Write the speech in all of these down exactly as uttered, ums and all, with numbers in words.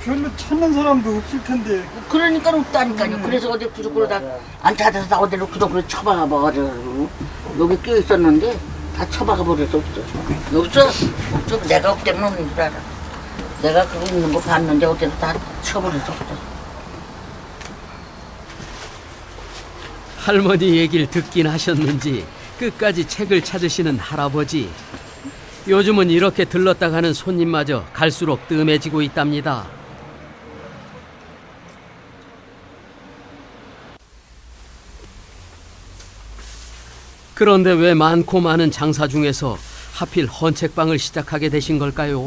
별로 찾는 사람도 없을 텐데. 그러니까 없다니까요. 그래서 어디 구석으로 다 안 찾아서 다 어디로 구석으로 쳐박아 버려가지고 여기 끼어 있었는데 다 쳐박아 버려서 없어. 없어? 없어. 내가 없대면 없는 줄 알아. 내가 그거 있는 거 봤는데 어디로 다 쳐버려서 없어. 할머니 얘기를 듣긴 하셨는지 끝까지 책을 찾으시는 할아버지. 요즘은 이렇게 들렀다 가는 손님마저 갈수록 뜸해지고 있답니다. 그런데 왜 많고 많은 장사 중에서 하필 헌책방을 시작하게 되신 걸까요?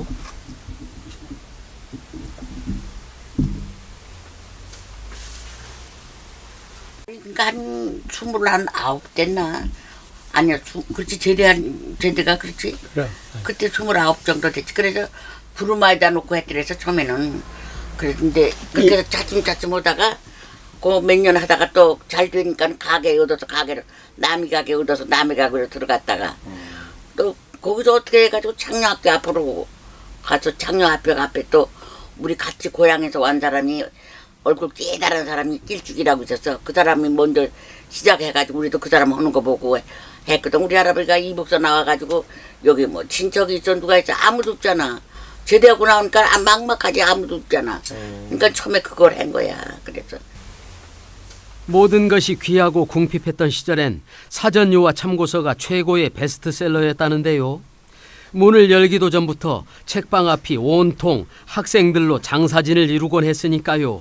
그러니까 한 스물한 아홉 됐나? 아니야, 주, 그렇지 제대한 제대가 그렇지. 그래. 그때 스물아홉 정도 됐지. 그래서 부르마에다 놓고 했더래서 처음에는 그랬는데 그렇게 해서 차츰차츰 오다가 그 몇 년 하다가 또 잘 되니까 가게에 얻어서 가게를 남이 가게 얻어서 남의 가게로 들어갔다가 또 거기서 어떻게 해가지고 창녀학교 앞으로 가서 창녀학교 앞에 또 우리 같이 고향에서 온 사람이 얼굴 깨달은 사람이 낄죽이라고 있었어. 그 사람이 먼저 시작해가지고 우리도 그 사람 하는 거 보고 했거든. 우리 할아버지가 이북서 나와가지고 여기 뭐 친척이 있어 누가 있어 아무도 없잖아. 제대하고 나오니까 아, 막막하지 아무도 없잖아. 그러니까 처음에 그걸 한 거야. 그래서 모든 것이 귀하고 궁핍했던 시절엔 사전유화 참고서가 최고의 베스트셀러였다는데요. 문을 열기도 전부터 책방 앞이 온통 학생들로 장사진을 이루곤 했으니까요.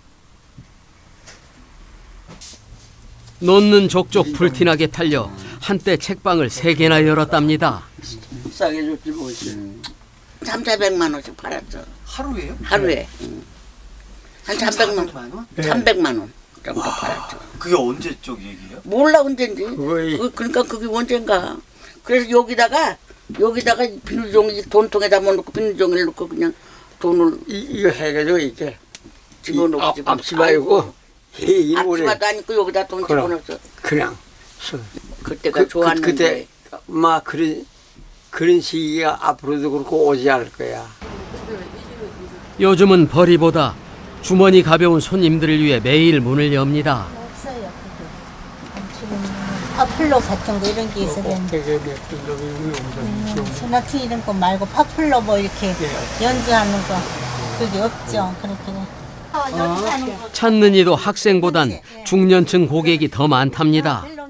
놓는 족족 불티나게 팔려 한때 책방을 세 개나 열었답니다. 싸게 줬지 뭐지. 삼사백만 원씩 팔았어. 하루에요? 하루에. 응. 한 삼백만 원? 삼백만 원 정도 팔았죠. 그게 언제 쪽 얘기예요? 몰라 언젠지. 그거이- 그, 그러니까 그게 언젠가. 그래서 여기다가 여기다가 비닐종이 돈통에다 넣고 비닐종이를 넣고 그냥 돈을 이, 이거 해가지고 이렇게 집어넣고 앞, 집어넣고. 앞치 말고 이 오래 앞치마도 아니고 여기다 돈 그럼. 집어넣었어. 그냥 써. 그때가 그, 좋았는데. 그, 그때 막 그런 그런 시기가 앞으로도 그렇고 오지 않을 거야. 요즘은 벌이보다 주머니 가벼운 손님들을 위해 매일 문을 엽니다. 없어요. 지금 파플로 같은 거 이런 게 있어야 되는데 되게 몇분 정도 음, 소나트 이런 거 말고 파플로 뭐 이렇게 연주하는 거 그게 없죠. 그렇게 연주하는 거 찾는 이도 학생보단 중년층 고객이 더 많답니다.